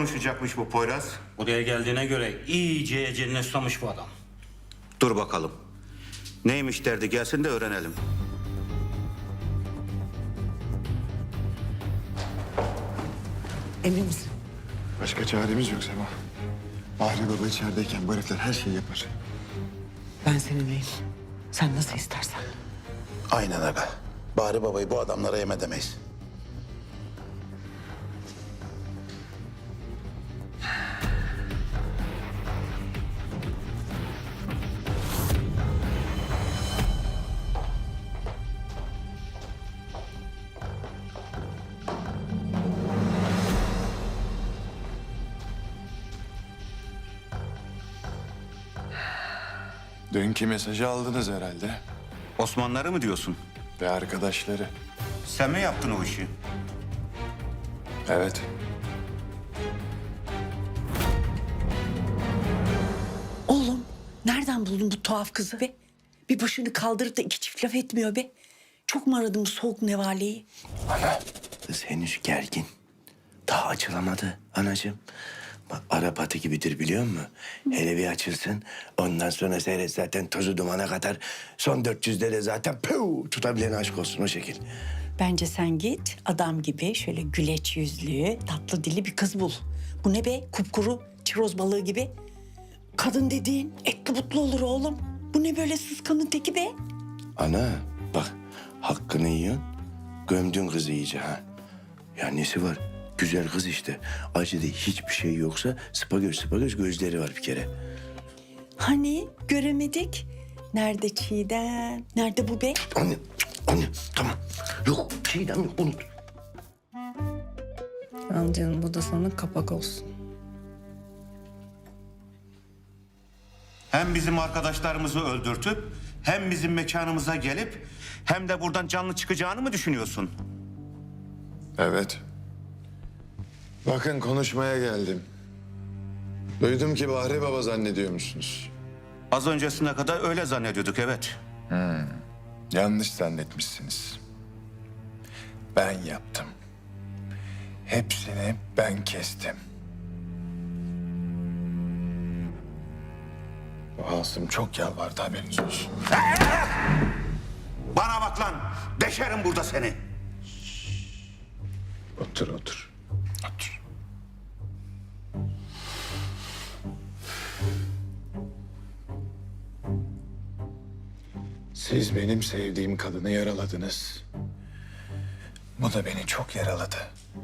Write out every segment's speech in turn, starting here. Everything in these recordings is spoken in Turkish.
konuşacakmış bu Poyraz? Buraya geldiğine göre iyice eceline susamış bu adam. Dur bakalım. Neymiş derdi gelsin de öğrenelim. Emin misin? Başka çaremiz yok Sema. Bahri Baba içerideyken bu herifler her şeyi yapar. Ben seninleyim. Sen nasıl istersen. Aynen aga. Bahri Baba'yı bu adamlara yem edemeyiz. Dünkü mesajı aldınız herhalde. Osmanlıları mı diyorsun? Ve arkadaşları. Sen mi yaptın o işi? Evet. Oğlum nereden buldun bu tuhaf kızı be? Bir başını kaldırıp da iki çift laf etmiyor be. Çok mu aradın bu soğuk nevaleyi? Kız henüz gergin. Daha açılamadı anacığım. Bak Arap atı gibidir biliyor musun? Hele bir açılsın. Ondan sonra seyret zaten tozu dumana kadar. Son 400'de de zaten püu, tutabilen aşk olsun o şekil. Bence sen git adam gibi şöyle güleç yüzlü, tatlı dilli bir kız bul. Bu ne be? Kupkuru çiroz balığı gibi. Kadın dediğin etli butlu olur oğlum. Bu ne böyle sıskanın teki be? Ana bak hakkını yiyorsun. Gömdün kızı iyice ha. Ya nesi var? Güzel kız işte. Acıda hiçbir şey yoksa sıpagöz gözleri var bir kere. Hani göremedik? Nerede Çiğdem? Nerede bu be? Anne tamam. Yok şeyden yok unut. Al canım bu da sana kapak olsun. Hem bizim arkadaşlarımızı öldürtüp hem bizim mekanımıza gelip hem de buradan canlı çıkacağını mı düşünüyorsun? Evet. Bakın konuşmaya geldim. Duydum ki Bahri Baba zannediyormuşsunuz. Az öncesine kadar öyle zannediyorduk, evet. Yanlış zannetmişsiniz. Ben yaptım. Hepsini ben kestim. Bu Asım çok yalvardı haberiniz olsun. Bana bak lan, deşerim burada seni. Otur otur. Otur. Siz benim sevdiğim kadını yaraladınız. Bu da beni çok yaraladı.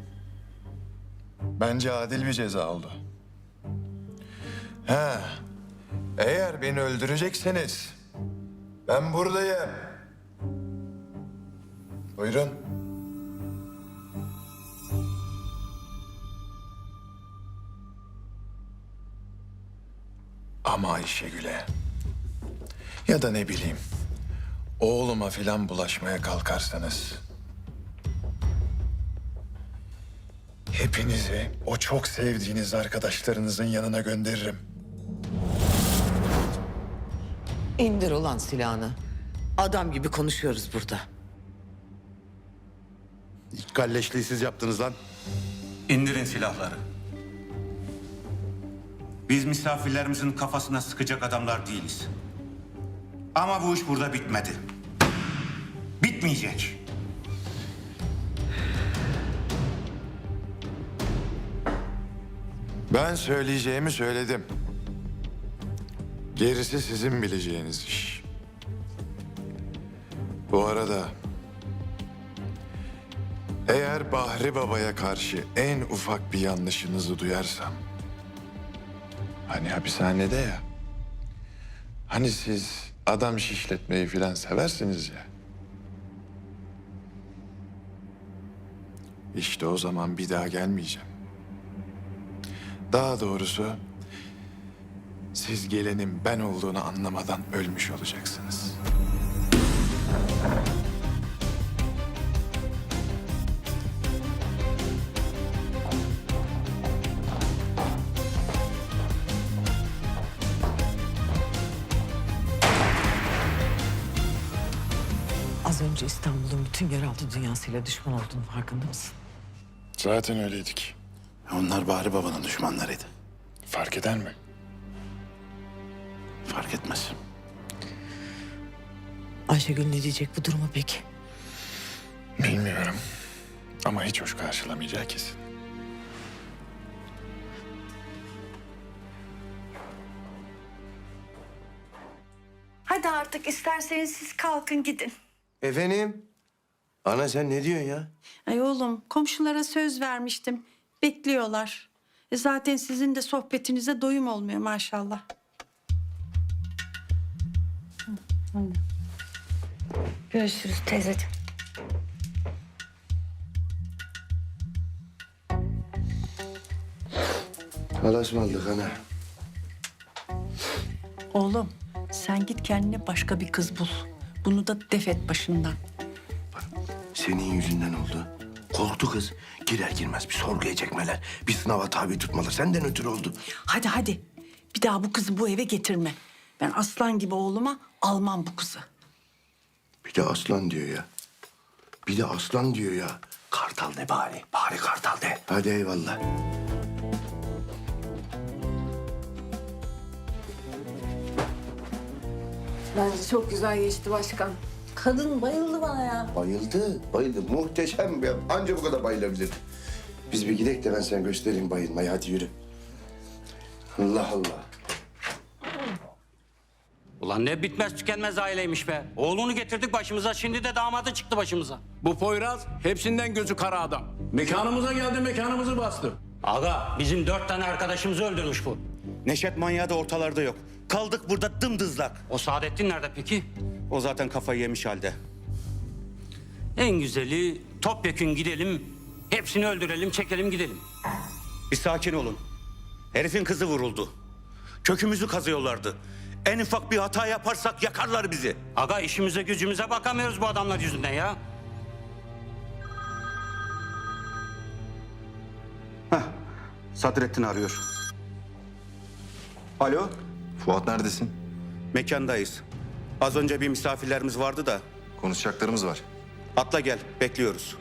Bence adil bir ceza oldu. Ha, eğer beni öldürecekseniz ben buradayım. Buyurun. Ama Ayşegül'e ya da ne bileyim oğluma filan bulaşmaya kalkarsanız hepinizi o çok sevdiğiniz arkadaşlarınızın yanına gönderirim. İndir ulan silahını. Adam gibi konuşuyoruz burada. İlk kalleşliği siz yaptınız lan. İndirin silahları. Biz misafirlerimizin kafasına sıkacak adamlar değiliz. Ama bu iş burada bitmedi. Bitmeyecek. Ben söyleyeceğimi söyledim. Gerisi sizin bileceğiniz iş. Bu arada eğer Bahri Baba'ya karşı en ufak bir yanlışınızı duyarsam, hani hapishanede ya, hani siz adam şişletmeyi filan seversiniz ya. İşte o zaman bir daha gelmeyeceğim. Daha doğrusu siz gelenin ben olduğunu anlamadan ölmüş olacaksınız. Az önce İstanbul'un bütün yeraltı dünyasıyla düşman olduğunu farkında mısın? Zaten öyleydik. Onlar Bahri Baba'nın düşmanlarıydı. Fark eder mi? Fark etmez. Ayşegül ne diyecek bu duruma peki? Bilmiyorum. Ama hiç hoş karşılamayacağı kesin. Hadi artık isterseniz siz kalkın gidin. Efendim? Ana sen ne diyorsun ya? Ay oğlum komşulara söz vermiştim. Bekliyorlar. Zaten sizin de sohbetinize doyum olmuyor maşallah. Görüşürüz teyzeciğim. Halas mı aldık ana? Oğlum sen git kendine başka bir kız bul. Bunu da def et başından. Senin yüzünden oldu. Korktu kız. Girer girmez bir sorguya çekmeler. Bir sınava tabi tutmalar. Senden ötürü oldu. Hadi hadi. Bir daha bu kızı bu eve getirme. Ben aslan gibi oğluma almam bu kızı. Bir de aslan diyor ya. Bir de aslan diyor ya. Kartal de bari. Bari kartal de. Hadi eyvallah. Bence çok güzel geçti başkan. Kadın bayıldı bana ya. Bayıldı. Bayıldı. Muhteşem bir. Anca bu kadar bayılabilir. Biz bir gidelim de ben sana göstereyim bayılmayı. Hadi yürü. Allah Allah. Ulan ne bitmez tükenmez aileymiş be. Oğlunu getirdik başımıza, şimdi de damadı çıktı başımıza. Bu Poyraz hepsinden gözü kara adam. Mekanımıza geldi, mekanımızı bastı. Aga bizim 4 tane arkadaşımızı öldürmüş bu. Neşet manyağı da ortalarda yok. Kaldık burada dımdızlak. O Saadettin nerede peki? O zaten kafayı yemiş halde. En güzeli topyekün gidelim, hepsini öldürelim, çekelim gidelim. Bir sakin olun. Herifin kızı vuruldu. Kökümüzü kazıyorlardı. En ufak bir hata yaparsak yakarlar bizi. Aga işimize gücümüze bakamıyoruz bu adamlar yüzünden ya. Sadrettin arıyor. Alo, Fuat neredesin? mekandayız. Az önce bir misafirlerimiz vardı da. Konuşacaklarımız var. Atla gel, bekliyoruz.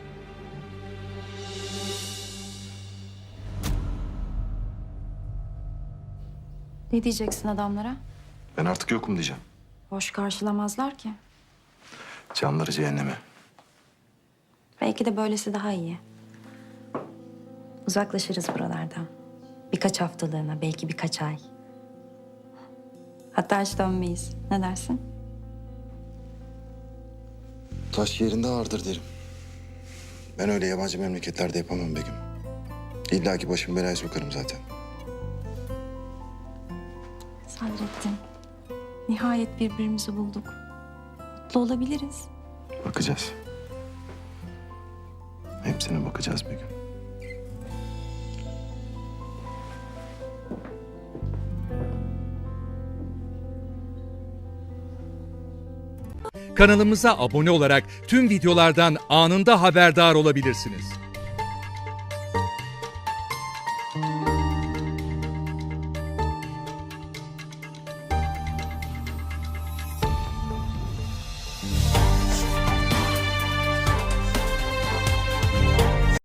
Ne diyeceksin adamlara? Ben artık yokum diyeceğim. Hoş karşılamazlar ki. Canları cehenneme. Belki de böylesi daha iyi. Uzaklaşırız buralardan. Birkaç haftalığına, belki birkaç ay. Hatta hiç dönmeyiz. Ne dersin? Taş yerinde ağırdır derim. Ben öyle yabancı memleketlerde yapamam Begüm. İlla ki başım belaya sokarım zaten. Sadrettin, nihayet birbirimizi bulduk. Mutlu olabiliriz. Bakacağız. Hepsine bakacağız Begüm. Kanalımıza abone olarak tüm videolardan anında haberdar olabilirsiniz.